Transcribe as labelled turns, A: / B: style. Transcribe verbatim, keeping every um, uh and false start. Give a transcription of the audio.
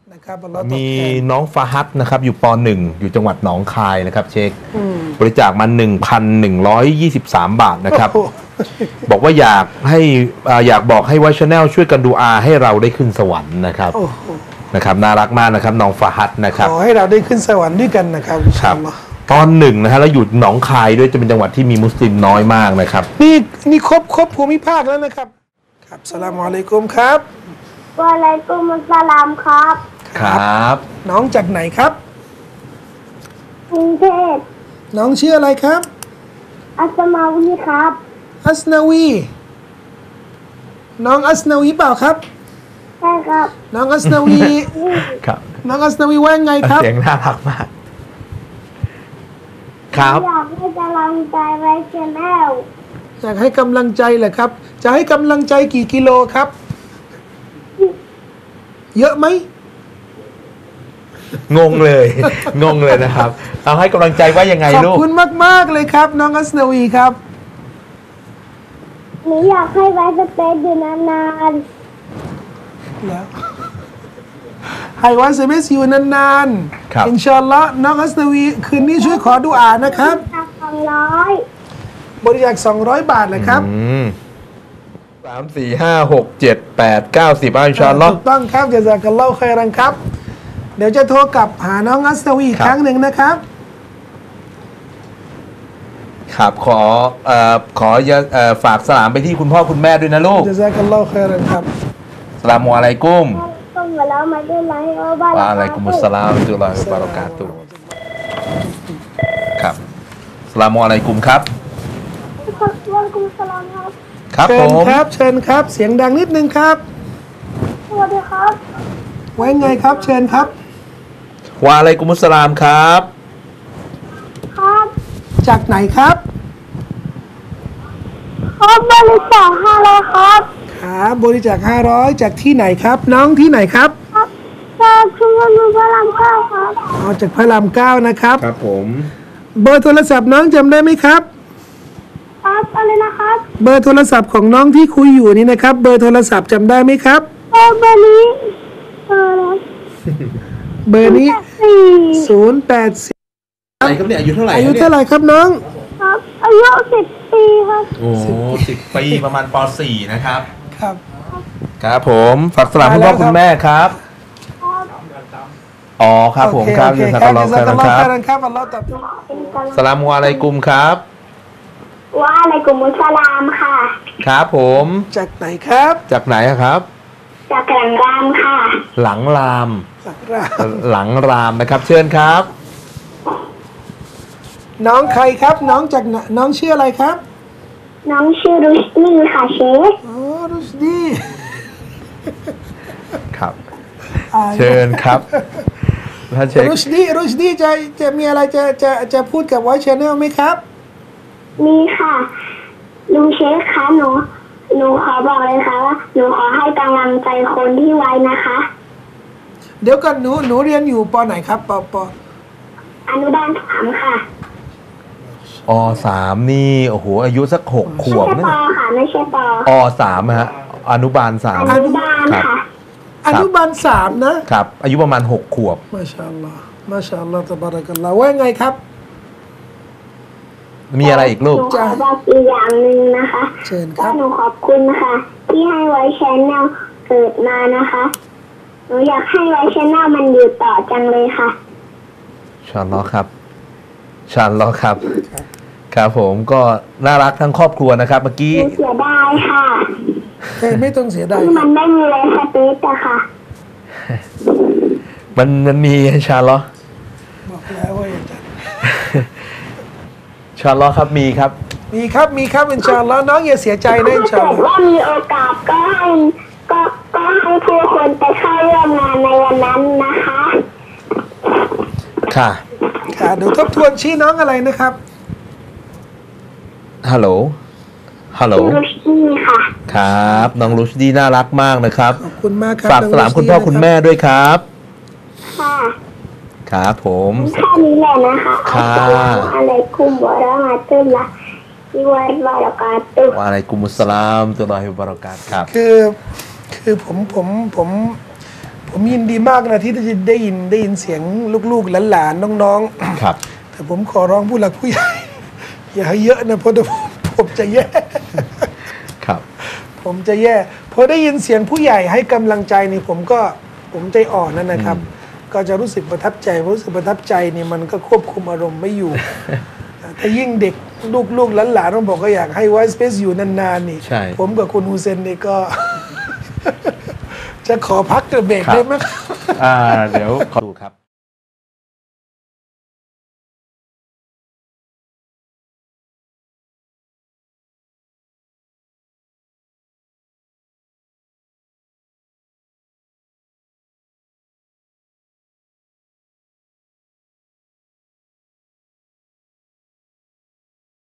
A: นะครับอัลลอฮ์ตอบแทน
B: มีน้องฟาฮัดนะครับอยู่ปหนึ่งอยู่จังหวัดหนองคายนะครับเช็คบริจาคมา หนึ่งพันหนึ่งร้อยยี่สิบสาม บาทนะครับบอกว่าอยากให้อ่าอยากบอกให้ไวท์ชาแนลช่วยกันดูอาให้เราได้ขึ้นสวรรค์นะครับ
A: โอ้โห
B: นะครับน่ารักมากนะครับน้องฟาฮัดนะครับ
A: ขอให้เราได้ขึ้นสวรรค์ด้วยกันนะครับอิน
B: ค
A: ชา
B: รับ
A: อัลลอฮ์
B: ตอนหนึ่งนะฮะแล้วอยู่หนองคายด้วยจะเป็นจังหวัดที่มีมุสลิมน้อยมากนะครับ
A: นี่นี่ครบครบภูมิภาคแล้วนะครับครับสลามอะลัยกุมครับ
C: วะอะลัยกุมุสสลามครับ
B: ครับ
A: น้องจากไหนครับ
C: กรุงเทพ
A: น้องชื่ออะไรครับ
C: อัสมาวีครับ
A: อัสนาวีน้องอัสนาวีเปล่าครับ
C: ใช่ครับ
A: น้องอัสนาวี
B: ครับ
A: น้องอัสนาวีว่าไงครับ
B: เสียงน่ารักมาก ครับ
C: อยากให้กำลังใจไว้ชแนล
A: อยากให้กำลังใจเหรอครับ จะให้กำลังใจกี่กิโลครับ เยอะไหม
B: งงเลย งงเลยนะครับเอาให้กำลังใจว่ายังไง
A: ขอบ
B: ลูก
A: คุณมาก ๆ เลยครับ น้องอัสนาวีครับ
C: หนูอยากให้ไว้สเปซอยู่นาน
A: แล้วให้วันเซเมสอยู่นาน
B: ครับ
A: ๆอินชาอัลลอฮ์น้องอัสนาวีคืนนี้ช่วยขอดุอานะครับ
C: ๆจากสองร้อย
A: บริจาคสองร้อยบาทเลยครับ
B: อืมสามสี่ห้าหกเจ็ดแปดเก้าสิบอินชาอัลลอฮ์
A: ถูกต้องครับจะจากัลลอฮุค็อยรันครับ เดี๋ยวจะโทรกลับหาน้องอัสนาวีอีก
B: ครับ
A: ครั้งหนึ่งนะครับ
B: ครับขอเอ่อขออย่าเอ่อฝากสลามไปที่คุณพ่อคุณแม่ด้วยนะลูก
A: จะจากัลลอฮุค็อยรันครับ
B: สลามุอะลัยกุม
C: ต้องมาแล้วมาด้วยไลฟ์เอาบ้าน
B: วะอะลัยกุมุสสลามวะเราะห์มะตุลลอฮิวะบะเราะกาตุฮ์ครับสลามุอะลัยกุมครับ
C: วะกุมุสสลามครับ
B: ครับ
A: เชิ
B: ผ
A: ญ
B: ม
A: ครับ เชิญครับ เสียงดังนิดนึงครับ
C: สวัสดีครับ
A: ไว้ไงครับ เชิญครับ
B: วะอะลัยกุมุสสลามครับ
C: ครับ
A: จากไหนครับ
C: ครับบริจาคห้าร้อยครับ
A: ครับบริจาคห้าร้อยจากที่ไหนครับ น้องที่ไหนครับ
C: ครับจากชุมชนมุสลิมเก้าครับ
A: เอาจากพระรามเก้านะครับ
B: ครับผม
A: เบอร์โทรศัพท์น้องจำได้ไหมครับ
C: ครับอะไรนะครับ
A: เบอร์โทรศัพท์ของน้องที่คุยอยู่นี่นะครับ เบอร์โทรศัพท์จำได้ไหมครับ
C: เบอร์เบอร์นี้เบอร์อะไร
A: เบอร์นี้
C: สี่
A: ศูนย์แปดสี่
B: อะไรครับเนี่ยอายุเท่าไหร่
A: อายุเท่าไหร่ครับน้อง
C: ครับอายุสิบปีครับ
B: โอ้สิบปีประมาณป .สี่ นะครับ
A: ครับ
B: ครับผมฝากสลามคุณพ่อคุณแม่ครับ อ๋อครับผมครับ
A: โอเค
B: ยิน
A: ค
B: ดี
A: รับ
B: ครับ
A: จะ
B: ค
A: สัก
B: รับ
A: การะครับอัลลอฮ์ตอบ
B: สลามุอะลัยกุมครับ
C: วะอะลัยกุมุสสลามค่ะ
B: ครับผม
A: จากไหนครับ
B: จากไหนอะครับ
C: จากหลังรามค่ะ
B: หลังราม
A: สักรา
B: หลังรามนะครับ เชิญครับ
A: น้องใครครับ น้องจากไหนน้องชื่ออะไรครับ
C: น้องชื่อรุชนีค่ะเชฟ
A: อ๋อรุชดี
B: ครับ
A: อ่า
B: เชิญครับท่านเช็ค
A: รุชดีรุชดีจะจะมีอะไรจะจะจะพูดกับไวท์ชาแนลไหมครับ
C: มีค่ะลุงเชฟคะหนูหนูขอบอกเลยค่ะว่าหนูขอให้กำลังใจคนที่ไว้นะคะ
A: เดี๋ยวก่อนหนูหนูเรียนอยู่ปไหนครับปป
C: อนุบาลสามค่ะ
B: อสามนี่โอ้โหอายุสักหกข
C: ไม่
B: วบ
C: ใช่
B: นะ
C: ปอค่ะไม่ใช่ปอ
B: อสามฮะอนุบาลสาม
C: อนุบาล
B: ครับ
C: ค่ะ
A: อนุบาลสามนะครับ
B: อายุประมาณหกขวบ
A: มาชาอัลลอฮ์มาชาอัลลอฮ์ตะบารักัลลอฮ์ว่าไงครับ
B: มีอะไรอีกลูก
C: หนูขอบอกอีกอย่างหนึ่งนะคะ
A: เชิญครับ
C: ก็หนูขอบคุณนะคะที่ให้ไว้ชแนลเกิดมานะคะหนูอยากให้ไว้ชแนลมันอยู่ต่อจังเลยค่ะ
B: ชาอัลลอฮ์ครับชาอัลลอฮ์ครับ ครับผมก็น่ารักทั้งครอบครัวนะครับ เมื่อกี้
C: หนูเสียดายค่ะ
A: เฮ้ยไม่ต้องเสียดาย
C: ที่มันไม่มีเลยสเปซอะค่ะ
B: มันมันมีชาอัลลอฮ์
A: บอกแล้วว่าอย่างนั้น
B: ชาอัลลอฮ์ครับมีครับ
A: มีครับมีครับอินชาอัลลอฮ์น้องอย่าเสียใจนะอินชา
C: ถ้า
A: อัล
C: เกิ
A: ลอฮ์
C: ดว่ามีโอกาสก็ให้ก็ก็ให้ผู้คนไปเข้าร่วมงานในวันนั้นนะคะ
B: ค่ะ
A: ค่ะเดี๋ยวทบทวนชื่อน้องอะไรนะครับ
B: ฮัลโหลฮัลโหล
C: ชื่อรุชนี่ค่ะ
B: ครับ น้องรุชดีน่ารักมากนะครับ
A: ขอบคุณมากครับ
B: ฝากสลามคุณพ่อคุณแม่ด้วยครับ
C: ค่ะ
B: ครับผม
C: แค่นี้แหละนะคะ
B: ค่ะ
C: อัสสลามุอะลัยกุมวะเราะมะตุลลอฮิวะบะเราะกาตุฮ์
B: วะอะลัยกุมุสสลามตุลลอฮิวะบะเราะกาตุฮ์ครับ
A: คือคือผมผมผมผผมยินดีมากนะที่จะได้ยินได้ยินเสียงลูกๆหลานๆน้องๆ
B: ครับ
A: แต่ผมขอร้องผู้หลักผู้ใหญ่ อย่าให้เยอะนะเพราะเดี๋ยวผมผมจะแย่
B: ครับ
A: ผมจะแย่พอได้ยินเสียงผู้ใหญ่ให้กำลังใจนี่ผมก็ผมใจอ่อนนั่นนะครับ ก็จะรู้สึกประทับใจรู้สึกประทับใจนี่มันก็ควบคุมอารมณ์ไม่อยู่ ถ้ายิ่งเด็กลูกๆหลานๆต้องบอกก็อยากให้ไวสเปซอยู่นานๆนี่
B: ใช่
A: ผมกับคุณฮูเซนนี่ก็ จะขอพักเบรกได้ไหม
B: อ่าเดี๋ยวขอดูครับ